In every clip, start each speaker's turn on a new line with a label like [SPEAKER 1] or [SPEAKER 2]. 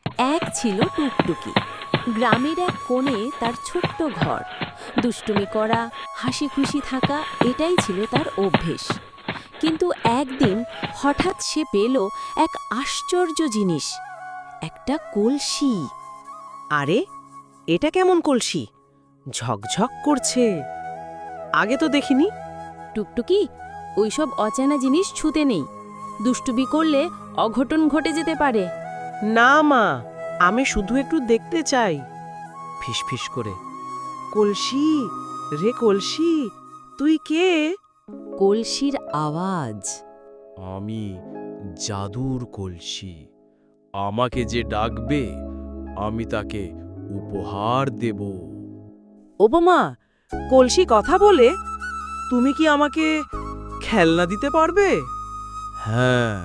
[SPEAKER 1] এক ছিল টুকটুকি। গ্রামের এক কোণে তার ছোট্ট ঘর। দুষ্টুমি করা, হাসি খুশি থাকা, এটাই ছিল তার অভ্যেস। কিন্তু একদিন হঠাৎ সে পেল এক আশ্চর্য জিনিস, একটা কলসি।
[SPEAKER 2] আরে, এটা কেমন কলসি? ঝকঝক করছে। আগে তো দেখিনি।
[SPEAKER 1] টুকটুকি, ওইসব অচেনা জিনিস ছুঁতে নেই। দুষ্টুমি করলে অঘটন ঘটে যেতে পারে।
[SPEAKER 2] না মা, আমি শুধু একটু দেখতে চাই। ফিসফিস করে, কলসি রে কলসি, তুই কে?
[SPEAKER 1] কলসির আওয়াজ।
[SPEAKER 3] আমি জাদুর কলসি। আমাকে যে ডাকবে আমি তাকে উপহার দেব।
[SPEAKER 2] ওপমা, কলসি কথা বলে? তুমি কি আমাকে খেলনা দিতে পারবে?
[SPEAKER 3] হ্যাঁ,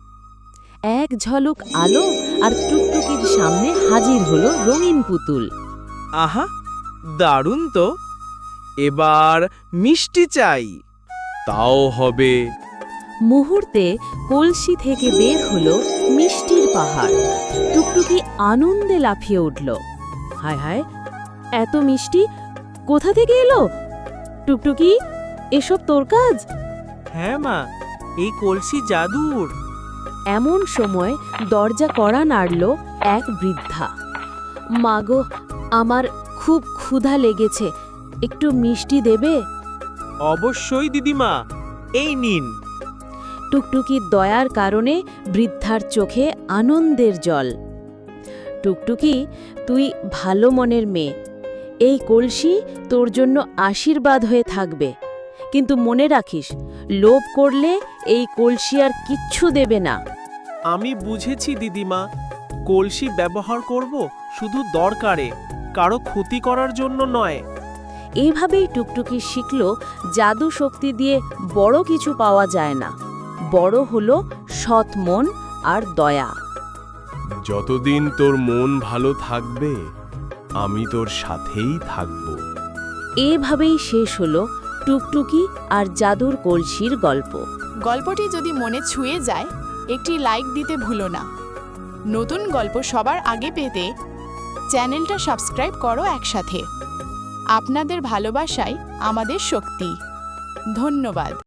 [SPEAKER 1] এক ঝলক আলো আর টুকটুকির সামনে হাজির হলো রঙিন পুতুল।
[SPEAKER 2] আহা, দারুণ তো। এবার মিষ্টি চাই।
[SPEAKER 3] তাও হবে।
[SPEAKER 1] মুহূর্তে কলসি থেকে বের হলো মিষ্টির পাহাড়। টুকটুকি আনন্দে লাফিয়ে উঠল। হায় হায়, এত মিষ্টি কোথা থেকে এলো? টুকটুকি, এসব তোর কাজ?
[SPEAKER 2] হ্যাঁ মা, এই কলসি জাদুর।
[SPEAKER 1] এমন সময় দরজা কড়া নাড়ল এক বৃদ্ধা। মাগো, আমার খুব ক্ষুধা লেগেছে, একটু মিষ্টি দেবে?
[SPEAKER 2] অবশ্যই দিদিমা, এই নিন।
[SPEAKER 1] টুকটুকির দয়ার কারণে বৃদ্ধার চোখে আনন্দের জল। টুকটুকি, তুই ভালো মনের মেয়ে। এই কলসি তোর জন্য আশীর্বাদ হয়ে থাকবে। কিন্তু মনে রাখিস, লোভ করলে এই কলসি আর কিচ্ছু দেবে না।
[SPEAKER 4] আমি বুঝেছি দিদিমা, কলসি ব্যবহার করব শুধু দরকারে, কারো ক্ষতি করার জন্য নয়।
[SPEAKER 1] এইভাবেই টুকটুকি শিখল, জাদু শক্তি দিয়ে বড় কিছু পাওয়া যায় না, বড় হলো সৎ মন আর দয়া।
[SPEAKER 3] যতদিন তোর মন ভালো থাকবে আমি তোর সাথেই থাকব।
[SPEAKER 1] এভাবেই শেষ হলো টুকটুকি আর জাদুর কলসির গল্প।
[SPEAKER 5] গল্পটি যদি মনে ছুঁয়ে যায়, একটি লাইক দিতে ভুলো না। নতুন গল্প সবার আগে পেতে চ্যানেলটা সাবস্ক্রাইব করো একসাথে। আপনাদের ভালোবাসাই আমাদের শক্তি। ধন্যবাদ।